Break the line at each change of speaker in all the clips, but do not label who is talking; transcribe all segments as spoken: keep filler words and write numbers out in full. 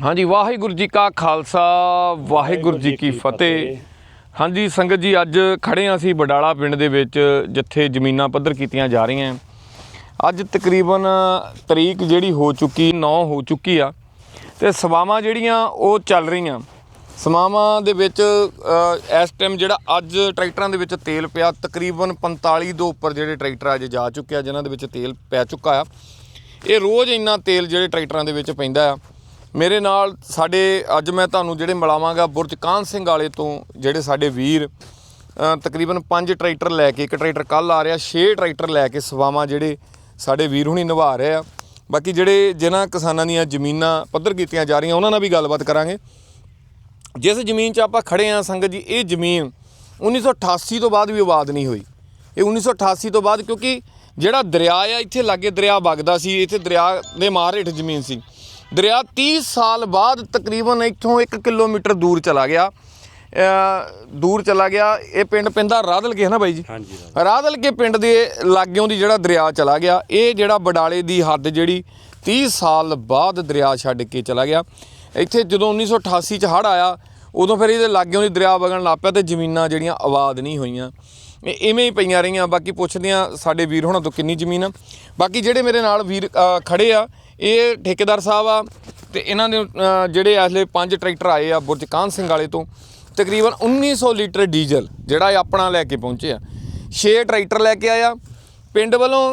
हाँ जी, वाहिगुरू जी का खालसा वाहिगुरू जी की फतेह। हाँ जी संगत जी, अज खड़े हाँ असीं बडाला पिंड दे विच जिथे जमीनां पੱਧਰ कीतियां जा रही हैं। अज तकरीबन तरीक जिहड़ी हो चुकी नौ हो चुकी आ ते सवावां जिहड़ियां वो चल रही। सवावां दे विच इस टाइम जिहड़ा अज ट्रैक्टरां दे विच तेल पिया तकरीबन पंताली दो उपर जिहड़े ट्रैक्टर अज जा चुके आ जिन्हां दे विच तेल पै चुका आ। ये रोज़ इन्ना तेल जिहड़े ट्रैक्टरां दे विच पैंदा आ। मेरे नाल साडे अज मैं तुहानूं जिहड़े मिलावांगा बुरज कान सिंह वाले तो जिहड़े साडे वीर तकरीबन पांच ट्रैक्टर लैके एक ट्रैक्टर कल आ रहा छे ट्रैक्टर लैके सवावां जिहड़े साडे वीर हुणी निभा रहे आ। बाकी जिहड़े जिन्हां किसानां दीयां जमीनां पੱਧਰ कीतियां जा रहीआं उन्हां नाल भी गलबात करांगे। जिस जमीन 'च आपां खड़े हाँ संगत जी, ये जमीन उन्नीस सौ अठासी तो बाद भी आबाद नहीं हुई। ये उन्नीस सौ अठासी तो बाद क्योंकि जिहड़ा दरिया आ इत्थे लागे दरिया वगदा सी, इत्थे दरिया दे मार हेठ जमीन सी। दरिया तीस साल बाद तकरीबन इत्थों एक किलोमीटर दूर चला गया दूर चला गया ये पिंड पैंदा राधल के है ना बाई जी? हाँ जी, राधल के पिंड के लागों दी जिहड़ा दरिया चला गया। ये जिहड़ा बडाले दी हद जिहड़ी तीस साल बाद दरिया छड्ड के चला गया। इत्थे जदों उन्नीस सौ अठासी च हड़ आया उदों फिर ये लागों दी दरिया वगण लग पिया ते जमीनां जिहड़ियां आबाद नहीं होईयां, इवें ही पईयां रहीआं। बाकी पुछदे आ साडे वीर होणां तो किन्नी जमीन आ। बाकी जिहड़े मेरे नाल वीर खड़े आ ये ठेकेदार साहब आ ते इन्हां दे जिहड़े इसले पंज ट्रैक्टर आए आ बुरज कान सिंह वाले तो तकरीबन उन्नीस सौ लीटर डीजल जिहड़ा अपना लैके पहुँचे आ। छे ट्रैक्टर लैके आया पिंड वालों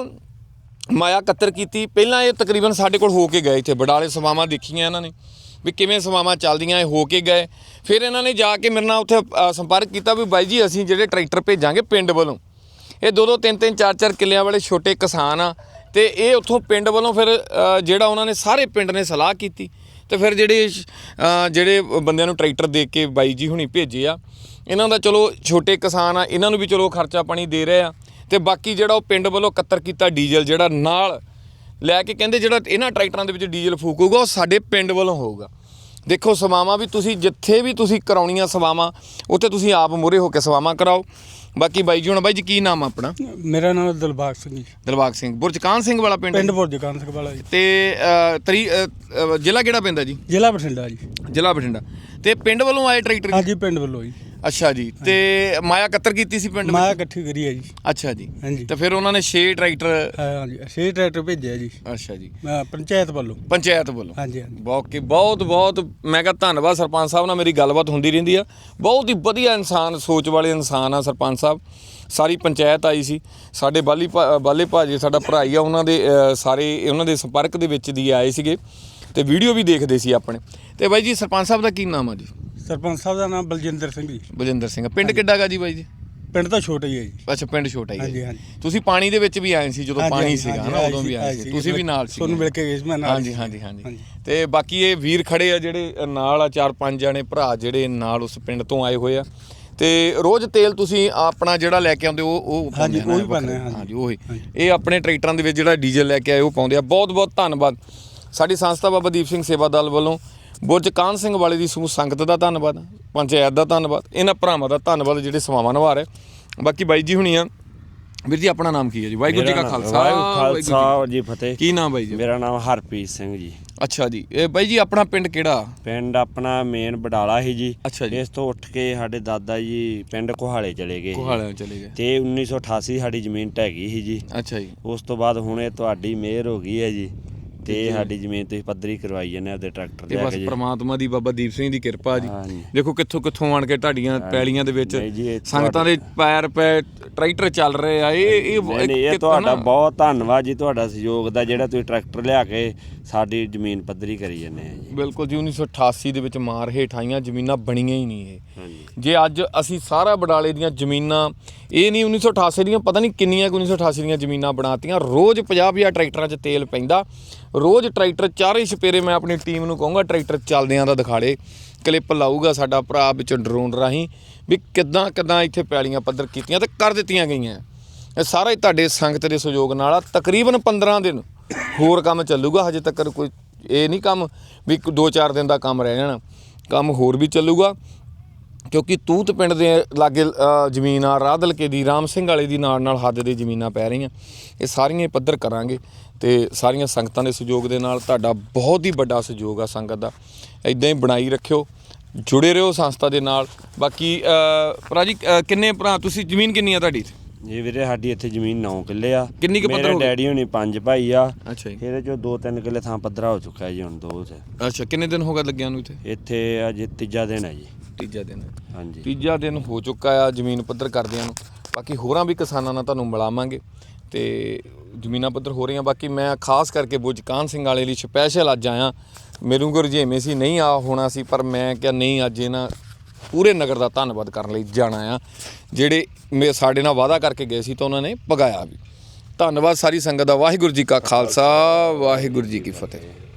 माया कत्तर की। पहलां ये तकरीबन साडे कोल हो के गए, इत्थे बडाले सवावां देखियां इन्हां ने भी किवें सवावां चलदियां, हो के गए। फिर इन्हां ने जाके मेरे नाल उत्थे संपर्क किया भी बाई जी असीं जिहड़े ट्रैक्टर भेजांगे पिंड वालों। ये दो दो तीन तीन चार चार किल्लियां वाले छोटे किसान आ ते ये उत्थों पिंड वालों फिर जिहड़ा उन्होंने सारे पिंड ने सलाह की ते फिर जिहड़े जिहड़े बंदियां नूं ट्रैक्टर दे के बाई जी हुणी भेजे आ। इन्हां दा चलो छोटे किसान आ, इन्हां नूं भी चलो खर्चा पानी दे रहे आ ते बाकी जिहड़ा वो पिंड वालों कत्तर कीता डीजल जिहड़ा नाल लैके कहंदे जिहड़ा इन्हां ट्रैक्टरां दे विच डीजल फूकूगा वो साडे पिंड वालों होऊगा। देखो सवावां भी तुसीं जिथे भी तुसीं कराउणियां सवावां उत्थे तुसीं आप मूहरे हो के सवावां कराओ। बाकी बाई जी हुण बाई जी की नाम अपना?
मेरा नाम दिलबाग सिंह जी।
दिलबाग सिंह, बुरज कान सिंह वाला पिंड?
पिंड बुरज कान सिंह वाला जी।
ते तरी जिला किहड़ा पैंदा जी?
जिला बठिंडा जी।
जिला बठिंडा। ते पिंड वालों आए ट्रैक्टर?
हाँ जी पिंड वालों जी।
अच्छा जी, ते माया कत्तर कीती सी पिंड?
माया इकट्ठी करी है जी।
अच्छा जी,
हाँ जी।
ते फिर उन्होंने छे ट्रैक्टर?
हाँ जी, छे ट्रैक्टर भेजे जी।
अच्छा जी,
पंचायत वालों?
पंचायत वालों।
हाँ जी।
बहुत बहुत बहुत मैं कहा धन्नवाद सरपंच साहब नाल मेरी गलबात होंदी रहिंदी आ। बहुत ही वधिया इंसान, सोच वाले इंसान आ सरपंच साहब। सारी पंचायत आई सी, साडे बाली बाले भाजी साडा भरा ही आ, उन्हां दे सारे उन्हां दे संपर्क दे विच दी आए सीगे ते वीडियो भी देखदे सी अपने। ते बाई जी सरपंच साहब दा की नाम आ जी?
सरपंच साहब का नाम बलजिंदर सिंह जी।
बलजिंदर सिंह। पिंड किड्डा गा जी बाई जी?
पिंड तो छोटा ही है जी।
अच्छा पिंड छोटा ही है।
हाँ जी, हाँ जी।
तुसीं पानी दे विच भी आए सी जदों पानी सीगा ना, उदों भी आए सी, तुसीं भी नाल सी?
सोनू मिल के गए मैं नाल।
हाँ जी हाँ जी हाँ जी। ते बाकी ये वीर खड़े आ जिहड़े नाल आ, चार पंज जणे भरा जिहड़े नाल उस पिंड तो आए होए आ। ते रोज़ तेल तुसीं अपना जिहड़ा लैके आउंदे ओ ओ पाउंदे
ना?
हाँ जी ओही। ये अपने ट्रैक्टरां दे विच जिहड़ा डीजल लैके आए ओ पाउंदे आ। बहुत बहुत धन्नवाद साडी संस्था बाबा दीप सिंह सेवा दल वालों बुरज कान सिंह वाले दी समूह संगत दा धन्नवाद, पंचायत दा धन्नवाद, इन्हां भरावां दा धन्नवाद जिहड़े सवावां निभा रहे। बाकी बाई जी हुणी आ। वीर जी अपना नाम की है जी? वाहिगुरू जी का खालसा
खालसा जी फतेह।
की नाम बाई जी?
मेरा नाम हरप्रीत सिंह जी।
अच्छा जी, ਇਹ ਬਾਈ ਜੀ ਆਪਣਾ ਪਿੰਡ ਕਿਹੜਾ?
ਪਿੰਡ ਆਪਣਾ ਮੇਨ ਬਡਾਲਾ ਹੀ ਜੀ।
ਅੱਛਾ ਜੀ।
ਇਸ ਤੋਂ ਉੱਠ ਕੇ ਸਾਡੇ ਦਾਦਾ ਜੀ ਪਿੰਡ ਕੋਹਾਲੇ ਚਲੇ ਗਏ।
ਕੋਹਾਲੇ ਚਲੇ ਗਏ
ਤੇ ਉੱਨੀ ਸੌ ਅਠਾਸੀ ਸਾਡੀ ਜ਼ਮੀਨ ਢਹਿ ਗਈ ਸੀ ਜੀ।
ਅੱਛਾ ਜੀ।
ਉਸ ਤੋਂ ਬਾਅਦ ਹੁਣ ਇਹ ਤੁਹਾਡੀ ਮਿਹਰ ਹੋ ਗਈ ਹੈ ਜੀ ਤੇ ਸਾਡੀ ਜ਼ਮੀਨ ਤੁਸੀਂ ਪੱਧਰੀ ਕਰਵਾਈ ਜਾਂਦੇ ਆਪਦੇ ਟਰੈਕਟਰ
ਤੇ ਬਸ ਪ੍ਰਮਾਤਮਾ ਦੀ ਬਾਬਾ ਦੀਪ ਸਿੰਘ ਦੀ ਕਿਰਪਾ ਜੀ।
ਹਾਂਜੀ।
ਦੇਖੋ ਕਿੱਥੋਂ ਕਿੱਥੋਂ ਆਣ ਕੇ ਢਾਡੀਆਂ ਪੈਲੀਆਂ ਦੇ ਵਿੱਚ ਸੰਗਤਾਂ ਦੇ ਪੈਰ ਪੈ ਟਰੈਕਟਰ ਚੱਲ ਰਹੇ ਆ। ਇਹ ਇਹ
ਇਹ ਤੁਹਾਡਾ ਬਹੁਤ ਧੰਨਵਾਦ ਜੀ, ਤੁਹਾਡਾ ਸਹਿਯੋਗ ਦਾ ਜਿਹੜਾ ਤੁਸੀਂ ਟਰੈਕਟਰ ਲਿਆ ਕੇ ਸਾਡੀ ਜ਼ਮੀਨ ਪੱਧਰੀ ਕਰੀ ਜਾਂਦੇ ਆ ਜੀ।
ਬਿਲਕੁਲ ਜੀ। ਉੱਨੀ ਸੌ ਅਠਾਸੀ ਦੇ ਵਿੱਚ ਮਾਰ ਹੇਠ ਆਈਆਂ ਜ਼ਮੀਨਾਂ ਬਣੀਆਂ ਹੀ ਨਹੀਂ ਇਹ।
ਹਾਂਜੀ।
ਜੇ ਅੱਜ ਅਸੀਂ ਸਾਰਾ ਬਡਾਲੇ ਦੀਆਂ ਜ਼ਮੀਨਾਂ ਇਹ ਨਹੀਂ ਉੱਨੀ ਸੌ ਅਠਾਸੀ ਦੀਆਂ ਪਤਾ ਨਹੀਂ ਕਿੰਨੀਆਂ ਉੱਨੀ ਸੌ ਅਠਾਸੀ ਦੀਆਂ ਜ਼ਮੀਨਾਂ ਬਣਾਤੀਆਂ। ਰੋਜ਼ ਪੰਜਾਹ ਪੰਜਾਹ ਟਰੈਕਟਰਾਂ 'ਚ ਤੇਲ ਪੈਂਦਾ, ਰੋਜ਼ ਟਰੈਕਟਰ ਚਾਰੇ ਛਪੇਰੇ ਮੈਂ ਆਪਣੀ ਟੀਮ ਨੂੰ ਕਹੂੰਗਾ ਟਰੈਕਟਰ ਚੱਲਦਿਆਂ ਦਾ ਦਿਖਾੜੇ, ਕਲਿੱਪ ਲਾਊਗਾ ਸਾਡਾ ਭਰਾ ਵਿੱਚ ਡਰੋਨ ਰਾਹੀਂ ਵੀ ਕਿੱਦਾਂ ਕਿੱਦਾਂ ਇੱਥੇ ਪੈਲੀਆਂ ਪੱਧਰ ਕੀਤੀਆਂ ਤੇ ਕਰ ਦਿੱਤੀਆਂ ਗਈਆਂ। ਇਹ ਸਾਰਾ ਹੀ ਤੁਹਾਡੇ ਸੰਗਤ ਦੇ ਸਹਿਯੋਗ ਨਾਲ ਆ। ਤਕਰੀਬਨ ਪੰਦਰਾਂ ਦਿਨ ਹੋਰ ਕੰਮ ਚੱਲੂਗਾ, ਹਜੇ ਤੱਕ ਕੋਈ ਇਹ ਨਹੀਂ ਕੰਮ ਵੀ ਦੋ ਚਾਰ ਦਿਨ ਦਾ ਕੰਮ ਰਹਿ ਜਾਣਾ, ਕੰਮ ਹੋਰ ਵੀ ਚੱਲੂਗਾ। ਕਿਉਂਕਿ ਤੂਤ ਪਿੰਡ ਦੇ ਲਾਗੇ ਜ਼ਮੀਨ ਆ ਰਾਧਲ ਕੇ ਦੀ ਰਾਮ ਸਿੰਘ ਵਾਲੇ ਦੀ ਨਾਲ ਨਾਲ ਹੱਦ ਦੀ ਜ਼ਮੀਨਾਂ ਪੈ ਰਹੀਆਂ, ਇਹ ਸਾਰੀਆਂ ਪੱਧਰ ਕਰਾਂਗੇ। ਤੇ ਸਾਰੀਆਂ ਸੰਗਤਾਂ ਦੇ ਸਹਿਯੋਗ ਦੇ ਨਾਲ ਤੁਹਾਡਾ ਬਹੁਤ ਹੀ ਵੱਡਾ ਸਹਿਯੋਗ ਆ ਸੰਗਤ ਦਾ। ਇਦਾਂ ਹੀ ਬਣਾਈ ਰੱਖਿਓ, ਜੁੜੇ ਰਹੋ ਸੰਸਥਾ ਦੇ ਨਾਲ। ਬਾਕੀ ਅ, ਭਰਾ ਜੀ ਅ, ਕਿੰਨੇ ਭਰਾ ਤੁਸੀਂ, ਜ਼ਮੀਨ ਕਿੰਨੀ ਆ ਤੁਹਾਡੀ?
ਜੀ ਵੀਰੇ ਸਾਡੀ ਇੱਥੇ ਜ਼ਮੀਨ ਨੌ ਕਿੱਲੇ ਆ।
ਕਿੰਨੀ ਕੁ ਪੱਧਰ
ਮੇਰੇ
ਹੋ ਗਈ?
ਡੈਡੀ ਹੋਣੀ ਪੰਜ ਭਾਈ ਆ।
ਅੱਛਾ ਜੀ।
ਇਹਦੇ ਚੋਂ ਦੋ ਤਿੰਨ ਕਿੱਲੇ ਥਾਂ ਪੱਧਰਾ ਹੋ ਚੁੱਕਾ ਜੀ, ਹੁਣ ਦੋ 'ਚ।
ਅੱਛਾ, ਕਿੰਨੇ ਦਿਨ ਹੋ ਗਏ ਲੱਗਿਆ ਨੂੰ ਇੱਥੇ?
ਇੱਥੇ ਅੱਜ ਤੀਜਾ ਦਿਨ ਹੈ ਜੀ।
ਤੀਜਾ ਦਿਨ।
ਹਾਂਜੀ
ਤੀਜਾ ਦਿਨ ਹੋ ਚੁੱਕਾ ਆ ਜ਼ਮੀਨ ਪੱਧਰ ਕਰਦਿਆਂ ਨੂੰ। ਬਾਕੀ ਹੋਰਾਂ ਵੀ ਕਿਸਾਨਾਂ ਨਾਲ ਤੁਹਾਨੂੰ ਮਿਲਾਵਾਂਗੇ ਤੇ ਜ਼ਮੀਨਾਂ ਪੱਧਰ ਹੋ ਰਹੀਆਂ। ਬਾਕੀ ਮੈਂ ਖਾਸ ਕਰਕੇ ਬੁਝਕਾਨ ਸਿੰਘ ਵਾਲੇ ਲਈ ਸਪੈਸ਼ਲ ਅੱਜ ਆਇਆ। ਮੈਨੂੰ ਕੋ ਰੁਝੇਵੇਂ ਸੀ, ਨਹੀਂ ਆ ਹੋਣਾ ਸੀ, ਪਰ ਮੈਂ ਕਿਹਾ ਨਹੀਂ, ਅੱਜ ਇਹਨਾਂ ਪੂਰੇ ਨਗਰ ਦਾ ਧੰਨਵਾਦ ਕਰਨ ਲਈ ਜਾਣਾ ਆ, ਜਿਹੜੇ ਮੇ ਸਾਡੇ ਨਾਲ ਵਾਅਦਾ ਕਰਕੇ ਗਏ ਸੀ ਤਾਂ ਉਹਨਾਂ ਨੇ ਪਗਾਇਆ ਵੀ। ਧੰਨਵਾਦ ਸਾਰੀ ਸੰਗਤ ਦਾ। ਵਾਹਿਗੁਰੂ ਜੀ ਕਾ ਖਾਲਸਾ, ਵਾਹਿਗੁਰੂ ਜੀ ਕੀ ਫਤਿਹ।